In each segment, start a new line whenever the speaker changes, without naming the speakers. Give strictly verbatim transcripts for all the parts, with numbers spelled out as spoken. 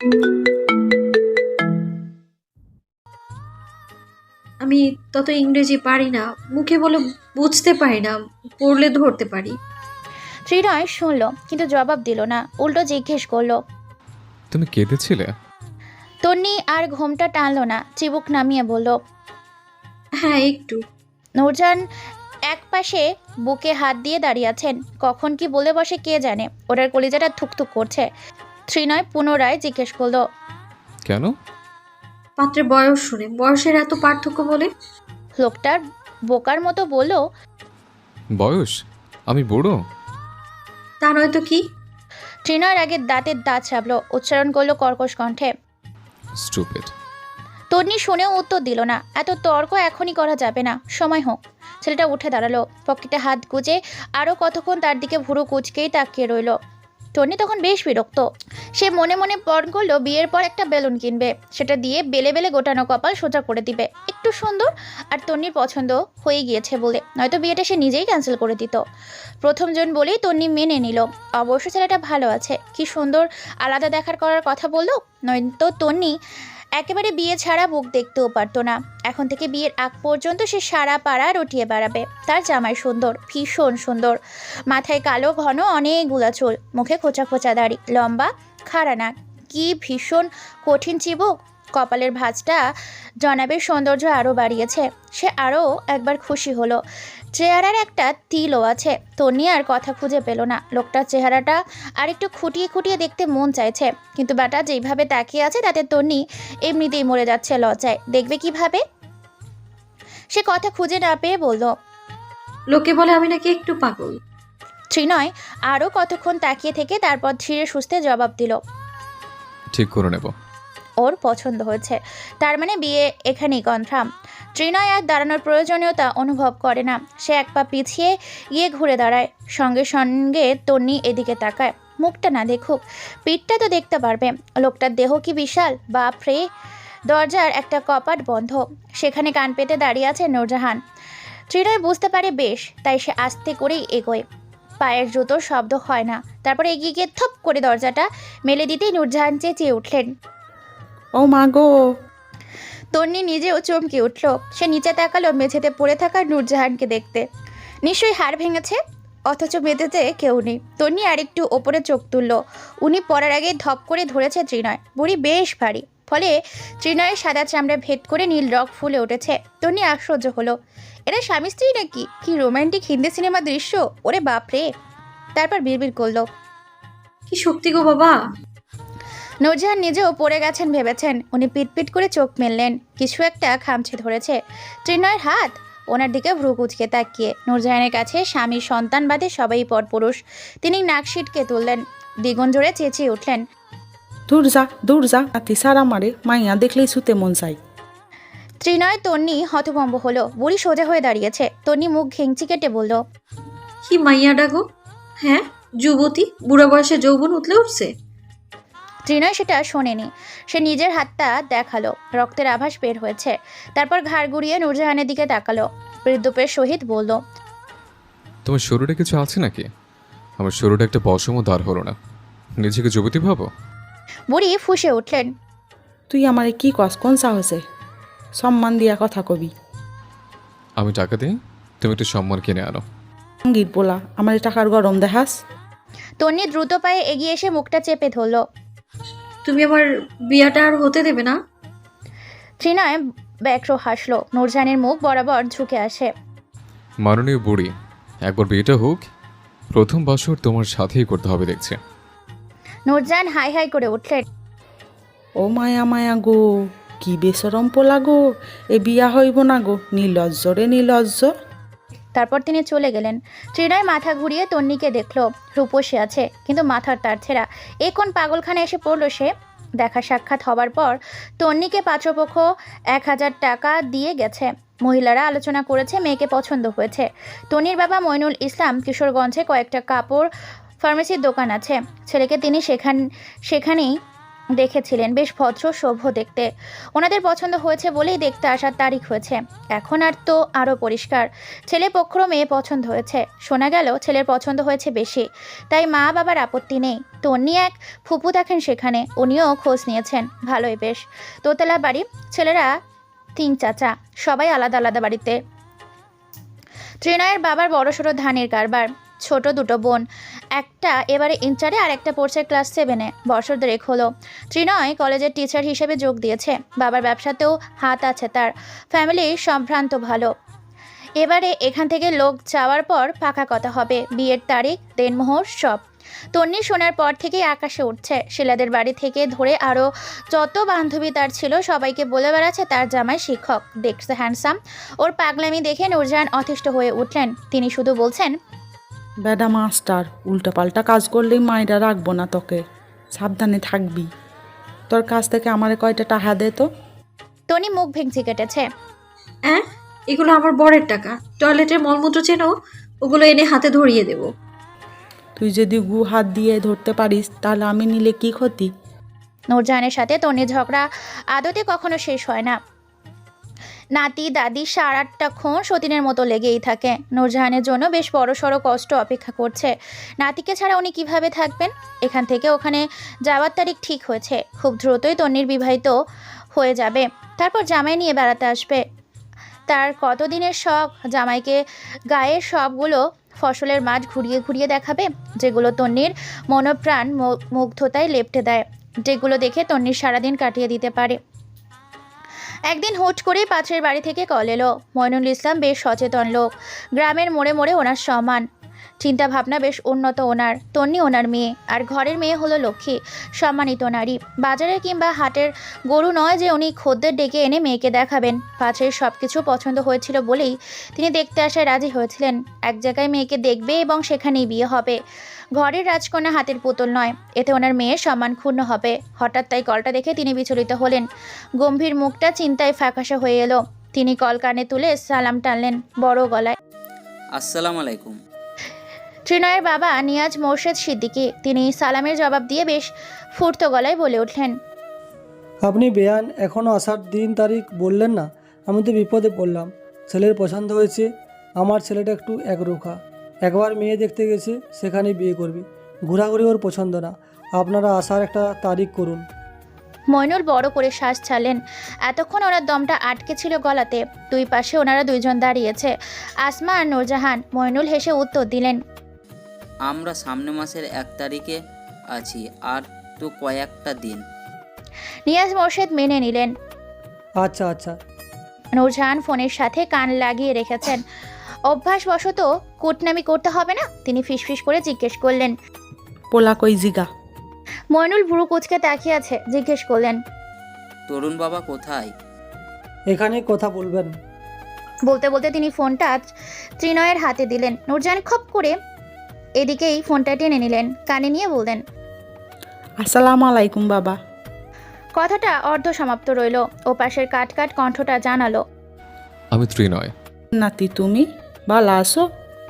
আমি তত ইংরেজি পারি না, মুখে বলে বুঝতে পারি না, পড়লে ধরতে পারি।
ত্রিনয় শুনল কিন্তু জবাব দিল না, উল্টো জিজ্ঞেস করলো।
তুমি কেঁদেছিলে?
তন্নি আর ঘোমটা টানলো না, চিবুক নামিয়ে বলল।
হ্যাঁ, একটু।
নূরজাহান এক পাশে বুকে হাত দিয়ে দাঁড়িয়ে আছেন, কখন কি বলে বসে কে জানে। ওটার কলিজাটা থুকথুক করছে। ত্রিনয় পুনরায় জিজ্ঞেস করলো।
কেন?
পাত্রের বয়স শুনে, বয়সের এত পার্থক্য বলে?
লোকটার বোকার মতো বলল।
বয়স? আমি বুড়ো?
তা নয়তো কি?
ত্রিনয়ের আগে দাঁতের দাঁত চাপলো, উচ্চারণ করলো কর্কশ কণ্ঠে।
স্টুপিড।
তন্নি শুনেও উত্তর দিল না। এত তর্ক এখনই করা যাবে না, সময় হোক। ছেলেটা উঠে দাঁড়ালো, পকেটে হাত গুজে আরও কতক্ষণ তার দিকে ভুরু কুচকেই তাকিয়ে রইল। টনি তখন বেশ বিরক্ত। সে মনে মনে পণ করলো বিয়ের পর একটা বেলুন কিনবে, সেটা দিয়ে বেলে বেলে গোটানো কপাল সোজা করে দিবে। একটু সুন্দর আর তন্নির পছন্দ হয়ে গিয়েছে বলে, নয়তো বিয়েটা সে নিজেই ক্যান্সেল করে দিত। প্রথমজন বলেই তন্নি মেনে নিল। অবশ্য ছেলেটা ভালো আছে, কি সুন্দর আলাদা দেখার করার কথা বললো। নয়তো তন্নি একেবারে বিয়ে ছাড়া মুখ দেখতেও পারতো না। এখন থেকে বিয়ের আগ পর্যন্ত সে সারা পাড়া রটিয়ে বেড়াবে। তার জামাই সুন্দর, ভীষণ সুন্দর, মাথায় কালো ঘন অনেকগুলা চুল, মুখে খোঁচা খোঁচা দাড়ি, লম্বা খাড়া নাক, কি ভীষণ কঠিন চিবুক। কপালের ভাঁজটা জনাবের সৌন্দর্য আরও বাড়িয়েছে। সে আরও একবার খুশি হলো। চেহারার একটা তিলও আছে। তন্নি আর কথা খুঁজে পেল না। লোকটার চেহারাটা আর একটু খুঁটিয়ে খুঁটিয়ে দেখতে মন চাইছে, কিন্তু বেটা যেইভাবে তাকিয়ে আছে তাতে তন্নি এমনিতেই মরে যাচ্ছে লজ্জায়। দেখবে কিভাবে? সে কথা খুঁজে না পেয়ে বলল।
লোকে বলে আমি নাকি একটু পাগল।
ত্রিনয় আরও কতক্ষণ তাকিয়ে থেকে তারপর ধীরে সুস্থে জবাব দিল।
ঠিক করে নেব।
ওর পছন্দ হয়েছে, তার মানে বিয়ে এখানেই কনফার্ম। ত্রিনয় আর দাঁড়ানোর প্রয়োজনীয়তা অনুভব করে না। সে এক পা পিছিয়ে গিয়ে ঘুরে দাঁড়ায়। সঙ্গে সঙ্গে তন্নি এদিকে তাকায়। মুখটা না দেখুক, পিঠটা তো দেখতে পারবে। লোকটার দেহ কি বিশাল, বাপরে! দরজার একটা কপাট বন্ধ, সেখানে কান পেতে দাঁড়িয়ে আছে নূরজাহান। ত্রিনয় বুঝতে পারে বেশ, তাই সে আস্তে করেই এগোয়। পায়ের জুতোর শব্দ হয় না। তারপরে এগিয়ে গিয়ে থপ করে দরজাটা মেলে দিতেই নূরজাহান চেঁচিয়ে উঠলেন।
ও মা গো!
তন্নি নিজেও চমকে উঠল। সে নিচে তাকালো মেঝেতে পড়ে থাকা নূরজাহানকে দেখতে। নিশ্চয়ই হাড় ভেঙেছে, অথচ মেঝেতে কেউ নেই। তন্নি আরেকটু ওপরে চোখ তুলল। উনি পড়ার আগে ধপ করে ধরেছে ত্রিনয়। বুড়ি বেশ ভারী, ফলে ত্রিনয়ের সাদা চামড়া ভেদ করে নীল রক ফুলে উঠেছে। তন্নি আশ্চর্য হলো, এরা স্বামী স্ত্রী নাকি? কি রোমান্টিক হিন্দি সিনেমা দৃশ্য! ওরে বাপরে! তারপর বিড়বিড় করলো।
কি শক্তি গো বাবা!
নূরজাহান নিজেও পড়ে গেছেন ভেবেছেন। উনি পিটপিট করে চোখ মেললেন, কিছু একটা খামছে ধরেছে। ত্রিনয়ের হাত। ওনার দিকে ভ্রু কুচকে তাকিয়ে। নূরজাহানের কাছে স্বামী সন্তান বাদে সবাই পরপুরুষ। তিনি নাক সিটকে তুললেন, দ্বিগুণ জোরে চেঁচিয়ে উঠলেন।
দূর যা, দূর যা, নাতি সারা মারে, মাইয়া দেখলেই শুতে মন চাই।
ত্রিনয় তন্নি হতভম্ব হলো। বুড়ি সোজা হয়ে দাঁড়িয়েছে। তন্নি মুখ ঘেংচি কেটে বলল।
কি মাইয়া ডাগো? হ্যাঁ, যুবতী, বুড়া বয়সে যৌবন উতলে উঠছে।
ত্রিনয় সেটা শোনেনি। সে নিজের হাতটা দেখালো, রক্তের আভাস বের হয়েছে। তারপর ঘাড় ঘুরিয়ে নূরজাহানের দিকে তাকালো, বৃদ্ধপের সহিত বলল।
তোমার শরীরে কিছু আছে নাকি? আমার শরীরে একটা পশমও দাঁড় হলো না, নিজেকে যুবতী ভাবো?
বুড়ি ফুঁসে উঠলেন।
তুই আমারে কি কস? কোন সাহসে? সম্মান দিয়া কথা কবি।
আমি টাকা দিই, তুমি একটু সম্মান কিনে আনো।
সঙ্গীত বলা আমার টাকার গরম দেখাস?
তন্নি দ্রুত পায়ে এগিয়ে এসে মুখটা চেপে ধরল।
তুমি আমার বিয়াটা আর হতে দেবে না?
ত্রিনয় ব্যগ্র হাসলো। নূরজাহানের মুখ বরাবর ঝুঁকে আসে।
মাননীয় বুড়ি, একবার বিয়েটা হোক, প্রথম বছর তোমার সাথেই করতে হবে দেখছে।
নূরজাহান হাই হাই করে উঠলেন।
ও মায়া মায়া গো, কি বেসরম পোলা গো! এ বিয়া হইব না গো, নির্লজ্জ রে নির্লজ্জ।
তারপর তিনি চলে গেলেন। ত্রিনয় মাথা ঘুরিয়ে তন্নিকে দেখলো। রূপসী আছে, কিন্তু মাথার তার ছেঁড়া। এ কোন পাগলখানে এসে পড়লো সে? দেখা সাক্ষাৎ হবার পর তন্নিকে পাত্রপক্ষ এক হাজার টাকা দিয়ে গেছে। মহিলারা আলোচনা করেছে, মেয়েকে পছন্দ হয়েছে। তন্নির বাবা মইনুল ইসলাম কিশোরগঞ্জে কয়েকটা কাপড় ফার্মেসির দোকান আছে। ছেলেকে তিনি সেখান সেখানেই দেখেছিলেন, বেশ ভদ্র সভ্য দেখতে। ওনাদের পছন্দ হয়েছে বলেই দেখতে আসার তারিখ হয়েছে। এখন আর তো আরও পরিষ্কার, ছেলে পক্ষরও মেয়ে পছন্দ হয়েছে। শোনা গেল ছেলের পছন্দ হয়েছে বেশি, তাই মা বাবার আপত্তি নেই। তন্নি এক ফুপু দেখেন সেখানে, উনিও খোঁজ নিয়েছেন। ভালোই বেশ। দোতলা বাড়ি, ছেলেরা তিন চাচা, সবাই আলাদা আলাদা বাড়িতে। ত্রিনয়ের বাবার বড়সড় ধানের কারবার, ছোট দুটো বোন, একটা এবারে ইন্টারে আর একটা পড়ছে ক্লাস সেভেনে। বছর দেড়েক হলো ত্রিনয় কলেজের টিচার হিসেবে যোগ দিয়েছে। বাবার ব্যবসাতেও হাত আছে তার, ফ্যামিলি সম্ভ্রান্ত ভালো। এবারে এখান থেকে লোক যাওয়ার পর পাকা কথা হবে, বিয়ের তারিখ, দেনমোহর সব। তন্নি শোনার পর থেকেই আকাশে উঠছে। শিলাদের বাড়ি থেকে ধরে আরও যত বান্ধবী তার ছিল সবাইকে বলে বেড়াচ্ছে তার জামাই শিক্ষক, দেখছে হ্যান্ডসাম। ওর পাগলামি দেখে নূরজাহান অতিষ্ঠ হয়ে উঠলেন। তিনি শুধু বলছেন,
বেডা মাস্টার, উল্টাপাল্টা কাজ করলেই মায়েরা রাখবো না তোকে, সাবধানে থাকবি। তোর কাছ থেকে আমারে কয়টা টাকা দে তো।
টনি মুখ ভেঙচি কেটেছে।
হ্যাঁ, এগুলো আমার বরের টাকা। টয়লেটের মলমূত্র চেনো, ওগুলো এনে হাতে ধরিয়ে দেব।
তুই যদি গু হাত দিয়ে ধরতে পারিস তাহলে আমি নিলে কি ক্ষতি?
নূরজাহানের সাথে তন্নির ঝগড়া আদতে কখনো শেষ হয় না। নাতি দাদি সারাটাক্ষণ সতীনের মতো লেগেই থাকে। নূরজাহানের জন্য বেশ বড় সড়ো কষ্ট অপেক্ষা করছে। নাতিকে ছাড়া উনি কিভাবে থাকবেন? এখান থেকে ওখানে যাওয়ার তারিখ ঠিক হয়েছে। খুব দ্রুতই তন্নির বিবাহিত হয়ে যাবে, তারপর জামাই নিয়ে বেড়াতে আসবে। তার কতদিনের শখ জামাইকে গায়ের সবগুলো ফসলের মাঠ ঘুরিয়ে ঘুরিয়ে দেখাবে, যেগুলো তন্নির মনোপ্রাণ মুগ্ধতায় লেপ্টে দেয়, যেগুলো দেখে তন্নির সারাদিন কাটিয়ে দিতে পারে। একদিন হুট করেই পাশের বাড়ি থেকে কল এলো। মইনুল ইসলাম বেশ সচেতন লোক, গ্রামের মোড়ে মোড়ে ওনার সমান চিন্তা ভাবনা, বেশ উন্নত ওনার। তন্নি ওনার মেয়ে, আর ঘরের মেয়ে হলো লক্ষ্মী, সম্মানিত নারী। বাজারের কিংবা হাটের গরু নয় যে উনি খদ্দের ডেকে এনে মেয়েকে দেখাবেন। পাশের সব কিছু পছন্দ হয়েছিল বলেই তিনি দেখতে আসায় রাজি হয়েছিলেন। এক জায়গায় মেয়েকে দেখবে এবং সেখানেই বিয়ে হবে। ঘরের রাজকন্যা হাতের পুতুল নয়, এতে ওনার মেয়ের সম্মান ক্ষুণ্ণ হবে। হঠাৎ তাই কলটা দেখে তিনি বিচলিত হলেন। গম্ভীর মুখটা চিন্তায় ফ্যাকাশে হয়ে এলো। তিনি কল কানে তুলে সালাম টানলেন বড় গলায়।
আসসালামু আলাইকুম।
ত্রিনয়ের বাবা নিয়াজ মোর্শেদ সিদ্দিকী। তিনি সালামের জবাব দিয়ে বেশ ফুর্ত গলায় বলে উঠলেন,
আপনি বেয়ান এখনও আসার দিন তারিখ বললেন না? আমি তো বিপদে পড়লাম। ছেলের পছন্দ হয়েছে, আমার ছেলেটা একটু একরোখা। একবার মেয়ে দেখতে গেছে, সেখানে বিয়ে করবি। ঘোরাঘুরি ওর পছন্দ না। আপনারা আসার একটা তারিখ করুন।
মইনুল বড় করে শ্বাস ছাড়লেন। এতক্ষণ ওনার দমটা আটকে ছিল গলাতে। দুই পাশে ওনারা দুইজন দাঁড়িয়েছে, আসমা আর নূরজাহান। মইনুল হেসে উত্তর দিলেন,
আমরা সামনে মাসের এক তারিখে আছি, আর তো কয়েকটা দিন।
নিয়াজ মোর্শেদ মেনে নিলেন।
আচ্ছা আচ্ছা।
নূরজাহান ফোনের সাথে কান লাগিয়ে রেখেছেন। অভ্যাসবশত কুটনামি করতে হবে না, তিনি ফিসফিস করে জিজ্ঞেস করলেন।
পোলা কই জিগা?
মইনুল ভুরু কুচকে তাকিয়ে আছে, জিজ্ঞেস করলেন,
তরুণ বাবা কোথায়?
এখানে কথা বলবেন।
বলতে বলতে তিনি ফোনটা ত্রিনয়ের হাতে দিলেন। নূরজাহান খপ করে এদিকেই ফোনটা টেনে নিলেন, কানে নিয়ে বললেন,
আসসালামু আলাইকুম বাবা।
কথাটা অর্ধ সমাপ্ত রইল। ও পাশের কাট কাট কণ্ঠটা জানালো,
আমি ত্রিনয়।
নাতি তুমি ভালো আছো?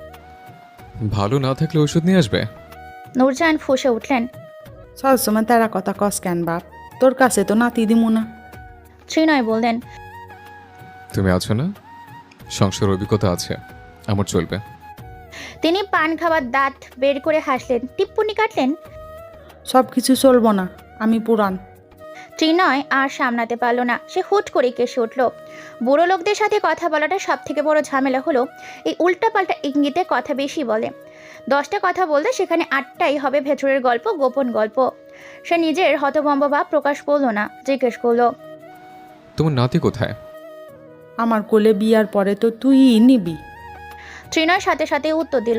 ভালো না থাকলে ওষুধ নিয়ে আসবে।
নূরজাহান ফুঁসে উঠলেন।
সবসময় তারা কথা কস কেন বাপ? তোর কাছে তো নাতি দিমু না।
ত্রিনয় বললেন,
তুমি আছো না, সংসার অভিজ্ঞতা আছে, আমার চলবে।
তিনি পান খাওয়ার দাঁত বের করে হাসলেন, টিপ্পনি কাটলেন,
সব কিছু চলবো না, আমি পুরান।
ত্রিনয় আর সামলাতে পারল না, সে হুট করে কেসে উঠল। বুড়ো লোকদের সাথে কথা বলাটা সব থেকে বড় ঝামেলা হলো এই উল্টাপাল্টা ইঙ্গিতে কথা বেশি বলে। দশটা কথা বলতে সেখানে আটটাই হবে ভেতরের গল্প, গোপন গল্প। সে নিজের হতভম্ব ভাব প্রকাশ করলো না, জিজ্ঞেস করলো,
তোমার নাতি কোথায়?
আমার কোলে বিয়ার পরে তো তুই নিবি।
ত্রিনয় সাথে সাথে উত্তর দিল,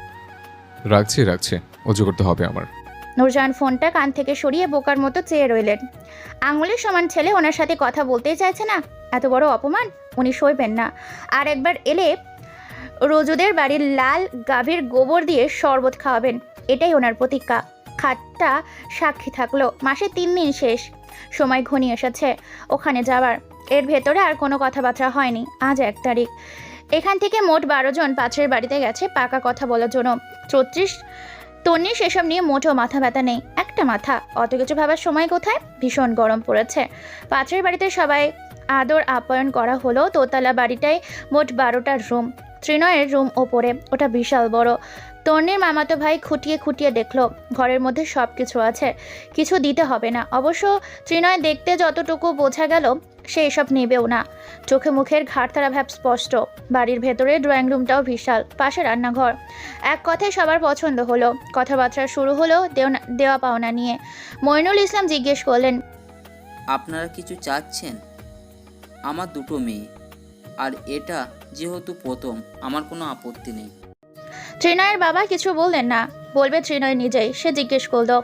রাখছি রাখছি, অজু করতে হবে আমার।
নূরজাহান ফোনটা কান থেকে সরিয়ে বোকার মতো চেয়ে রইলেন। আঙুলের সমান ছেলে ওনার সাথে কথা বলতেই চাইছে না, এত বড় অপমান উনি সইবেন না। আর একবার এলে রোজুদের বাড়ির লাল গাভীর গোবর দিয়ে শরবত খাওয়াবেন, এটাই ওনার প্রতিজ্ঞা। খাটটা সাক্ষী থাকলো। মাসে তিন দিন শেষ, সময় ঘনিয়ে এসেছে ওখানে যাওয়ার। এর ভেতরে আর কোনো কথাবার্তা হয়নি। আজ এক তারিখ। এখান থেকে মোট বারো জন পাত্রের বাড়িতে গেছে পাকা কথা বলার জন্য। চৌত্রিশ তন্নির সেসব নিয়ে মোটেও মাথা ব্যথা নেই, একটা মাথা, অত কিছু ভাবার সময় কোথায়। ভীষণ গরম পড়েছে। পাত্রের বাড়িতে সবাই আদর আপ্যায়ন করা হলো। দোতলা বাড়িটায় মোট বারোটার রুম। ত্রিনয়ের রুম ওপরে, ওটা বিশাল বড়। তন্নির মামাতো ভাই খুঁটিয়ে খুঁটিয়ে দেখলো ঘরের মধ্যে সব কিছু আছে, কিছু দিতে হবে না। অবশ্য ত্রিনয় দেখতে যতটুকু বোঝা গেল সে এসব নেবেও না। চোখে মুখের ঘাড়তারা ভাব স্পষ্ট। বাড়ির ভেতরে ড্রয়িং রুমটাও বিশাল, পাশে রান্নাঘর। এক কথায় সবার পছন্দ হলো। কথাবার্তা শুরু হলো দেওনা দেওয়া পাওনা নিয়ে। মইনুল ইসলাম জিজ্ঞেস করলেন,
আপনারা কিছু চাচ্ছেন? আমার দুটো মেয়ে, আর এটা যেহেতু প্রথম, আমার কোনো আপত্তি নেই।
ত্রিনয়ের বাবা কিছু বললেন না, বলবে ত্রিনয় নিজেই। সে জিজ্ঞেস করলো,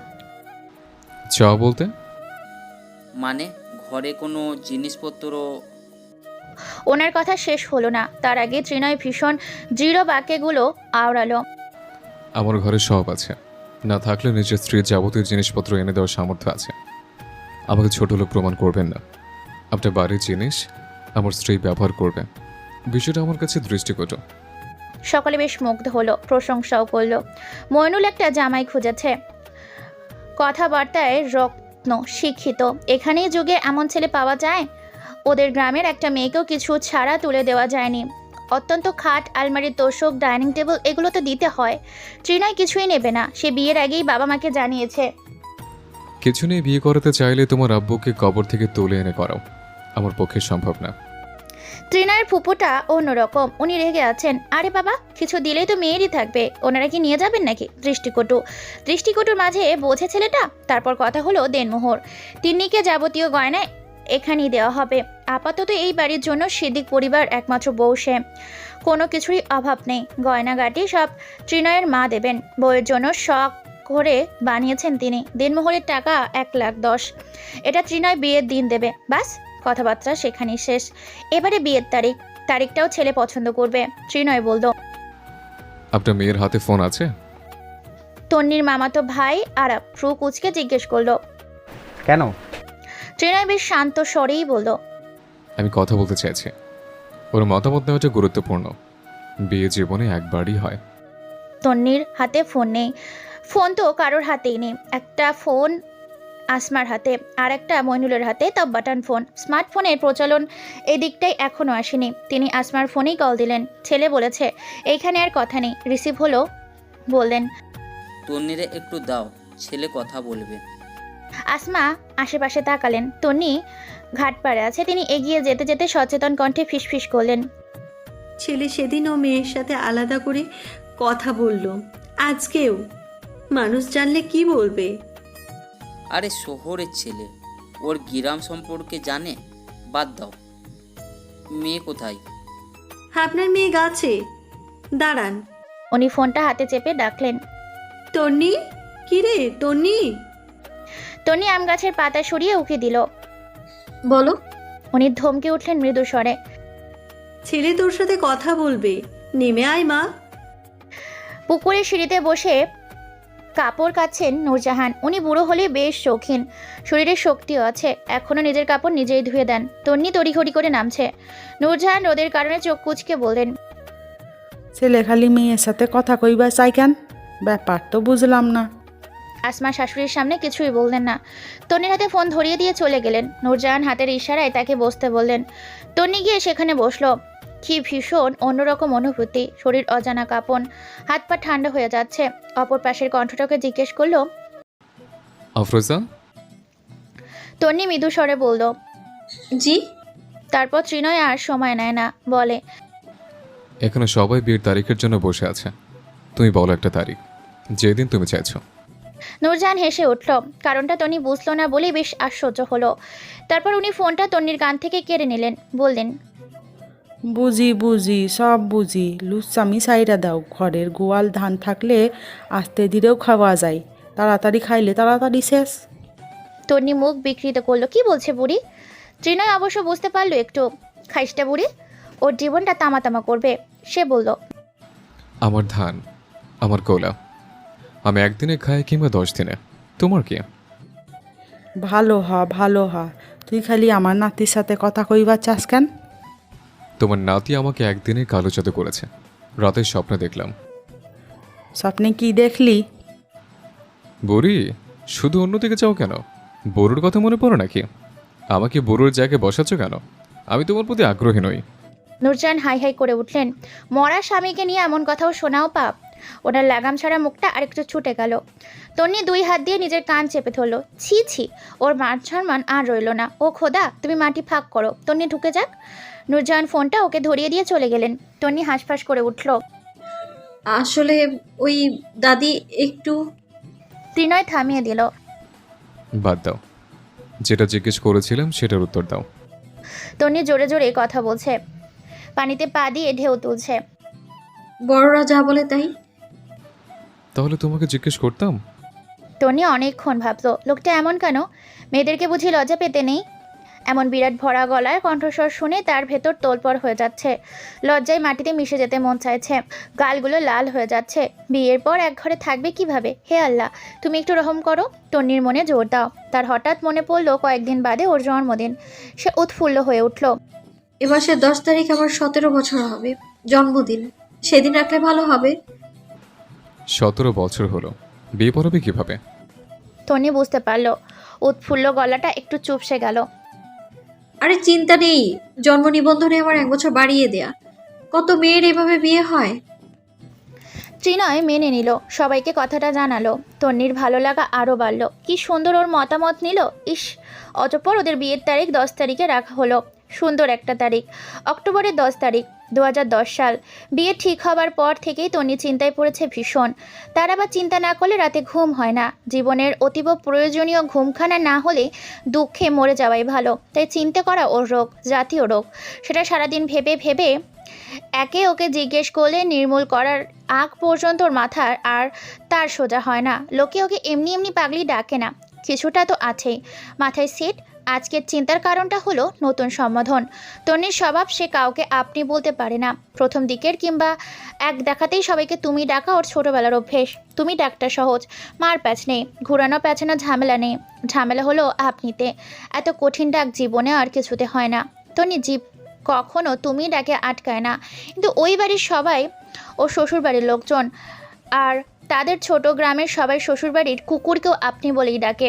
চা বলতে?
মানে ঘরে কোনো জিনিসপত্র?
ওনার কথা শেষ হলো না, তার আগে ত্রিনয় ভীষণ দৃঢ় বাক্যগুলো আওড়ালো।
আমার ঘরে সব আছে, না থাকলে নিজের স্ত্রীর যাবতীয় জিনিসপত্র এনে দেওয়ার সামর্থ্য আছে। আমাকে ছোট লোক প্রমাণ করবেন না। আপনার বাড়ির জিনিস আমার স্ত্রী ব্যবহার করবে, বিষয়টা আমার কাছে দৃষ্টিকটু।
সকলে বেশ মুগ্ধ হলো, প্রশংসাও করলো। মইনুল একটা জামাই খুঁজেছে, কথাবার্তায় রত্ন, শিক্ষিত। এখানেই যুগে এমন ছেলে পাওয়া যায়? ওদের গ্রামের একটা মেয়েকেও কিছু ছাড়া তুলে দেওয়া যায়নি। অত্যন্ত খাট, আলমারি, তোষক, ডাইনিং টেবিল এগুলো তো দিতে হয়। ত্রিনয় কিছুই নেবে না, সে বিয়ের আগেই বাবা মাকে জানিয়েছে।
কিছু নিয়ে বিয়ে করাতে চাইলে তোমার আব্বুকে কবর থেকে তুলে এনে করাও, আমার পক্ষে সম্ভব না।
ত্রিনয়ের ফুপুটা অন্যরকম, উনি রেগে আছেন। আরে বাবা, কিছু দিলেই তো মেয়েরই থাকবে, ওনারা কি নিয়ে যাবেন নাকি? দৃষ্টিকটু। দৃষ্টিকটুর মাঝে বোঝে ছেলেটা। তারপর কথা হলো দেনমোহর। তিন্নিকে যাবতীয় গয়না এখানেই দেওয়া হবে। আপাতত এই বাড়ির জন্য সিদ্দিক পরিবার একমাত্র বউ সে, কোনো কিছুরই অভাব নেই। গয়নাগাটি সব ত্রিনয়ের মা দেবেন। বউয়ের জন্য শখ করে বানিয়েছেন তিনি। দেনমোহরের টাকা এক লাখ দশ। এটা ত্রিনয় বিয়ের দিন দেবে। বাস, কথাবার্তা সেখানেই শেষ। এবারে বিয়ের তারিখ, তারিখটাও ছেলে পছন্দ করবে। ত্রিনয় বলল,
আপনার মেয়ের হাতে ফোন আছে?
তন্নির মামাতো ভাই আরাপ ফ্রু কুচকে জিজ্ঞেস করলো।
কেন?
ত্রিনয় বেশ শান্ত স্বরেই বলল,
আমি কথা বলতে চাইছি। ওর মতামত নেওয়াটা গুরুত্বপূর্ণ। বিয়ে জীবনে একবারই হয়।
তন্নির হাতে ফোন নেই। ফোন তো কারোর হাতেই নেই। একটা ফোন আসমার হাতে, আর একটা মইনুলের হাতে, তা বাটন ফোন। স্মার্টফোনের প্রচলন এদিকটাই এখনও আসেনি। তিনি আসমার ফোনেই কল দিলেন। ছেলে বলেছে এইখানে আর কথা নেই। রিসিভ হলো। বললেন,
তন্নিরে একটু দাও, ছেলে কথা বলবে।
আসমা আশেপাশে তাকালেন। তন্নি ঘাটপাড়ে আছে। তিনি এগিয়ে যেতে যেতে সচেতন কণ্ঠে ফিসফিস করলেন,
ছেলে সেদিন ও মেয়ের সাথে আলাদা করে কথা বলল, আজকেও। মানুষ জানলে কি বলবে?
আরে শহরের ছেলে, ওর গ্রাম সম্পর্কে জানে? বাদ দাও। মেয়ে কোথায়?
আপনার মেয়ে গাছে। দাঁড়ান।
উনি ফোনটা হাতে চেপে ডাকলেন,
তন্নি, কিরে তন্নি?
তন্নি আম গাছের পাতা সরিয়ে উকি দিল।
বলো।
উনি ধমকে উঠলেন মৃদু স্বরে,
ছেলে তোর সাথে কথা বলবে, নেমে আয় মা।
পুকুরের সিঁড়িতে বসে কাপড় কাচ্ছেন নূরজাহান। উনি বুড়ো হলে বেশ শৌখিন, শরীরে শক্তিও আছে। এখনও নিজের কাপড় নিজেই ধুয়ে দেন। তন্নি তড়িঘড়ি করে নামছে। নূরজাহান রোদের কারণে চোখ কুচকে বললেন,
ছেলে খালি মেয়ের সাথে কথা কইবা চাই কেন? ব্যাপার তো বুঝলাম না।
আসমা শাশুড়ির সামনে কিছুই বললেন না। তন্নির হাতে ফোন ধরিয়ে দিয়ে চলে গেলেন। নূরজাহান হাতের ইশারায় তাকে বসতে বললেন। তন্নি গিয়ে সেখানে বসলো। কি ভীষণ অন্যরকম অনুভূতি। শরীর অজানা কাঁপন, হাত পা ঠান্ডা হয়ে যাচ্ছে। অপর পাশের কণ্ঠটাকে জিজ্ঞেস করলো,
আফরোজা?
তন্নি মৃদু স্বরে বলল,
জি।
তারপর ত্রিনয় আর সময় নেয় না, বলে,
এখানে সবাই বিয়ের তারিখের জন্য বসে আছে। তুমি বলো একটা তারিখ, যেদিন তুমি চাইছো।
নূরজাহান হেসে উঠল। কারণটা তন্নি বুঝলো না বলেই বেশ আশ্চর্য হলো। তারপর উনি ফোনটা তন্নির কান থেকে কেড়ে নিলেন। বললেন,
বুঝি বুঝি, সব বুঝি। লুচ্চামি সাইরা দাও। ঘরের গোয়াল ধান থাকলে আস্তে ধীরেও খাওয়া যায়, তাড়াতাড়ি খাইলে তাড়াতাড়ি শেষ।
তন্নি মুখ বিকৃত করলো। কি বলছে বুড়ি? ত্রিনয় অবশ্য বুঝতে পারলো একটু। খাইসটা বুড়ি, ওর জীবনটা তামা তামা করবে। সে বলল,
আমার ধান, আমার গোলা, আমি একদিনে খাই কিংবা দশ দিনে, তোমার কি?
ভালো হ ভালো হ, তুই খালি আমার নাতির সাথে কথা কইবার চাস কেন?
তোমার নাতি আমাকে একদিনে কালো জাদু করেছে। রাতের স্বপ্নে দেখলাম।
স্বপ্নে কি দেখলি?
বড়ি, শুধু অন্যদিকে যাও কেন? বড়ুর কথা মনে পড়ো নাকি? আমাকে বড়ুর জায়গায় বসাচ্ছ কেন? আমি তোমার প্রতি আগ্রহী নই।
নূরজাহান হাই হাই করে উঠলেন। মরা স্বামীকে নিয়ে এমন কথাও শোনাও পাপ। ওনার লাগাম ছাড়া মুখটা আরেকটু ছুটে গেল। তন্নি দুই হাত দিয়ে নিজের কান চেপে ধরল। ছি ছি, ওর মান সম্মান আর রইল না। ও খোদা, তুমি মাটি ফাঁক করো, তন্নি ঢুকে যাক। নূরজাহান ফোনটা ওকে ধরিয়ে দিয়ে চলে গেলেন। তন্নি হাঁসফাঁস করে উঠল।
আসলে ওই দাদি একটু।
ত্রিনয় থামিয়ে দিল।
বাদ দাও, যেটা জিজ্ঞেস করেছিলাম সেটার উত্তর দাও।
তন্নি জোরে জোরে কথা বলছে, পানিতে পা দিয়ে ঢেউ তুলছে।
বড়রা যা বলে তাই।
তাহলে তোমাকে জিজ্ঞেস করতাম।
টনি অনেকক্ষণ ভাবল, লোকটা এমন কেন? মেয়েদেরকে বুঝি লজ্জা পেতে নেই? এমন বিরাট ভরা গলার কণ্ঠস্বর শুনে তার ভেতর তোলপড় হয়ে যাচ্ছে। লজ্জায় মাটিতে মিশে যেতে মন চাইছে, গালগুলো লাল হয়ে যাচ্ছে। বিয়ের পর এক ঘরে থাকবে কিভাবে? হে আল্লাহ, তুমি একটু রহম করো। টন্নির মনে জোর দাও। তার হঠাৎ মনে পড়ল কয়েকদিন বাদে ওর জন্মদিন। সে উৎফুল্ল হয়ে উঠল।
এ মাসের দশ তারিখ আমার সতেরো বছর হবে, জন্মদিন। সেদিন রাখলে ভালো হবে।
সতেরো বছর হলো, বিয়ে পড়াবে কিভাবে?
টনি বুঝতে পারল। উৎফুল্ল গলাটা একটু চুপসে গেল।
আরে চিন্তা নেই, জন্ম নিবন্ধনে আমার এক বছর বাড়িয়ে দেয়া। কত মেয়ের এভাবে বিয়ে হয়।
ত্রিনয় মেনে নিল, সবাইকে কথাটা জানালো। তন্নির ভালো লাগা আরও বাড়ল। কি সুন্দর ওর মতামত নিল। ইস, অতঃপর ওদের বিয়ের তারিখ দশ তারিখে রাখা হলো। সুন্দর একটা তারিখ, অক্টোবরের দশ তারিখ দু হাজার দশ সাল। বিয়ে ঠিক হবার পর থেকেই তন্নি চিন্তায় পড়েছে ভীষণ। তার আবার চিন্তা না করলে রাতে ঘুম হয় না। জীবনের অতীব প্রয়োজনীয় ঘুমখানা না হলে দুঃখে মরে যাওয়াই ভালো। তাই চিন্তা করা ওর রোগ, জাতীয় রোগ। সেটা সারাদিন ভেবে ভেবে একে ওকে জিজ্ঞেস করলে নির্মূল করার আগ পর্যন্ত ওর মাথার আর তার সোজা হয় না। লোকে ওকে এমনি এমনি পাগলি ডাকে না, কিছুটা তো আছেই মাথায় সিট। আজকের চিন্তার কারণটা হলো নতুন সম্বোধন। তন্নির স্বভাব, সে কাউকে আপনি বলতে পারে না। প্রথম দিকের কিংবা এক দেখাতেই সবাইকে তুমি ডাকা ওর ছোটোবেলার অভ্যেস। তুমি ডাকটা সহজ, মার প্যাচ নেই, ঘুরানো প্যাচানো ঝামেলা নেই। ঝামেলা হলো আপনিতে। এত কঠিন ডাক জীবনে আর কিছুতে হয় না। তন্নি জীব কখনো তুমি ডাকে আটকায় না। কিন্তু ওই বাড়ির সবাই ও শ্বশুরবাড়ির লোকজন আর তাদের ছোট গ্রামের সবাই শ্বশুরবাড়ির কুকুরকেও আপনি বলেই ডাকে।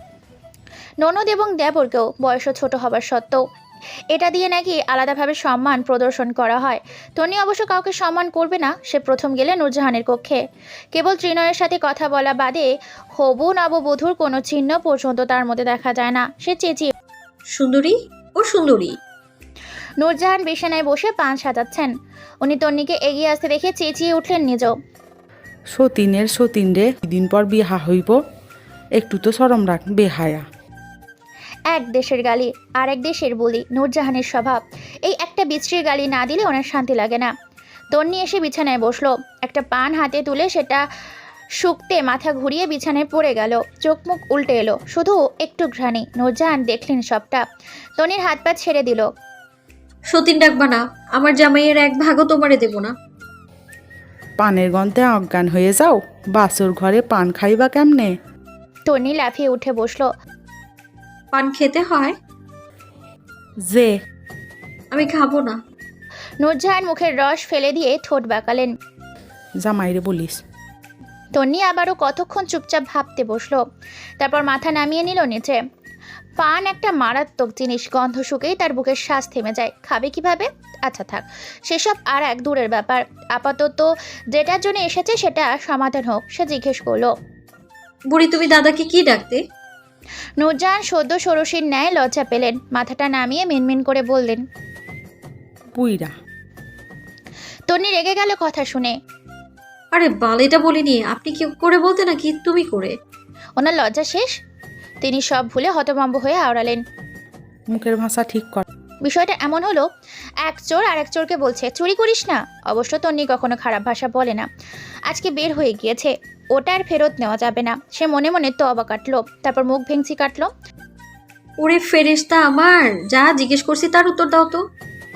ননদ এবং দেবরকেও, বয়সও ছোট হবার সত্ত্বেও। এটা দিয়ে নাকি আলাদাভাবে সম্মান প্রদর্শন করা হয়। টনি অবশ্য কাউকে সম্মান করবে না। সে প্রথম গেলে নূরজাহানের কক্ষে। কেবল ত্রিনয়ের সাথে কথা বলা বাদে হবু নববধূর কোনো চিহ্ন পর্যন্ত তার মধ্যে দেখা যায় না। সে চেঁচিয়ে,
সুন্দরী ও সুন্দরী।
নূরজাহান বিছানায় বসে পান সাজাচ্ছেন। উনি তন্নিকে এগিয়ে আসতে দেখে চেঁচিয়ে উঠলেন নিজেও।
সতীনের সতীন রে, দিন পর বিহা হইব, একটু তো শরম রাখ বেহায়া।
এক দেশের গালি আর এক দেশের বলি, নূরজাহানের স্বভাব। এই একটা বিশ্রীর গালি না দিলে ওনার শান্তি লাগে না। তন্নি এসে বিছানায় বসলো, একটা পান হাতে তুলে সেটা শুকতে মাথা ঘুরিয়ে বিছানায় পড়ে গেল। চোখ মুখ উল্টে এলো, শুধু একটু ঘ্রাণী। নূরজাহান দেখলেন সবটা। তন্নির হাত পা ছেড়ে দিল।
সতীন ডাকবা না, আমার জামাইয়ের এক ভাগও তোমারে দেব না।
পানের গন্ধে অজ্ঞান হয়ে যাও, বাসর ঘরে পান খাইবা কেমনে?
তন্নি লাফিয়ে উঠে বসলো।
পান খেতে হয়?
যে
আমি খাবো না।
নূরজাহান মুখের রস ফেলে দিয়ে ঠোঁট বাঁকালেন।
জামাইরে বলিস।
তন্নি আবারও কতক্ষণ চুপচাপ ভাবতে বসলো, তারপর মাথা নামিয়ে নিল নিচে। পান একটা মারাত্মক জিনিস, গন্ধ শুকেই তার বুকের শ্বাস থেমে যায়। খাবে কিভাবে? আচ্ছা থাক, সেসব আর এক দূরের ব্যাপার। আপাতত যেটার জন্য এসেছে সেটা সমাধান হোক। সে জিজ্ঞেস করলো,
বুড়ি তুমি দাদাকে কি ডাকতে?
নূরজাহান সদ্য ষোড়শীর ন্যায় লজ্জা পেলেন। মাথাটা নামিয়ে মিনমিন করে বললেন,
বুইরা।
তন্নি রেগে গেল কথা শুনে।
আরে বালিটা বলিনি, আপনি কি করে বলতে নাকি তুমি করে?
ওনার লজ্জা শেষ। তিনি সব ভুলে হতভম্ব হয়ে আওড়ালেন,
মুখের ভাষা ঠিক কর।
বিষয়টা এমন হলো, এক চোর আর এক চোরকে বলছে চুরি করিস না। অবশ্য তন্নি কখনো খারাপ ভাষা বলে না। আজকে বের হয়ে গিয়েছে, ওটা আর ফেরত নেওয়া যাবে না। সে মনে মনে তবা কাটলো, তারপর মুখ ভেঙচি কাটলো।
ওরে ফেরেশতা আমার, যা জিজ্ঞেস করছি তার উত্তর দাও তো।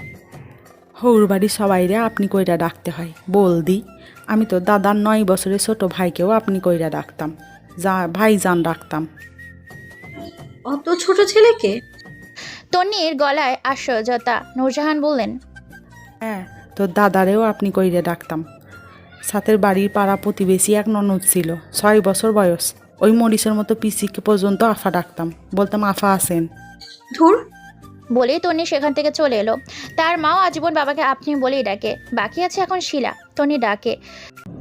হৌর বাড়ির সবাইরে আপনি কইরা ডাকতে হয়, বলদি। আমি তো দাদার নয় বছরের ছোট ভাইকেও আপনি কইরা ডাকতাম, যা ভাইজান ডাকতাম।
অত ছোট ছেলেকে?
তন্নির গলায় আশ্চর্যতা। নূরজাহান বললেন,
হ্যাঁ, তোর দাদারেও আপনি কইরে ডাকতাম। সাথের বাড়ির পাড়া প্রতিবেশী এক ননদ ছিল, ছয় বছর বয়স। ওই মরিচের মতো পিসিকে পর্যন্ত আফা ডাকতাম, বলতাম আফা আসেন।
ধুর।
বলেই তন্নি সেখান থেকে চলে এলো। তার মাও আজীবন বাবাকে আপনি বলেই ডাকে। বাকি আছে এখন শিলা। তন্নি ডাকে,